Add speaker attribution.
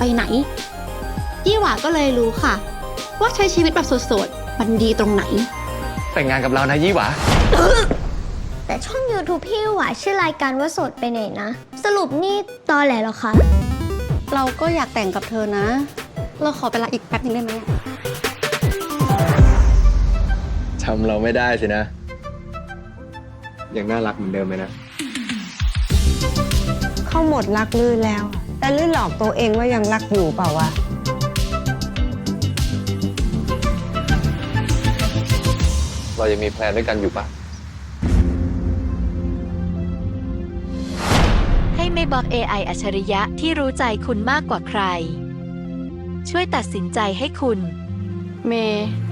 Speaker 1: ไปไหนยี่หว่าก็เลยรู้ค่ะ ว่าใช้ชีวิตแบบโสดๆมันดีตรงไหน
Speaker 2: แต่งงานกับเรานะยี่หวา
Speaker 3: แต่ช่อง YouTube พี่หวาชื่อรายการว่าโสดไปไหนนะ สรุปนี่ตอแหลเหรอคะ
Speaker 1: เราก็อยากแต่งกับเธอนะ เราขอเวลาอีกแป๊บนึงได้ไหม
Speaker 2: จำเราไม่ได้สินะ ยังน่ารักเหมือนเดิมไหมนะ
Speaker 4: เขาหมดรักลื่นแล้ว แต่ลื่นหลอกตัวเองว่ายังรักอยู่เปล่าวะ
Speaker 2: เรายังมีแพลนด้วยกันอยู่ปะ
Speaker 5: ให้ไม่บอก AI อัจฉริยะที่รู้ใจคุณมากกว่าใคร ช่วยตัดสินใจให้คุณ
Speaker 1: เมย์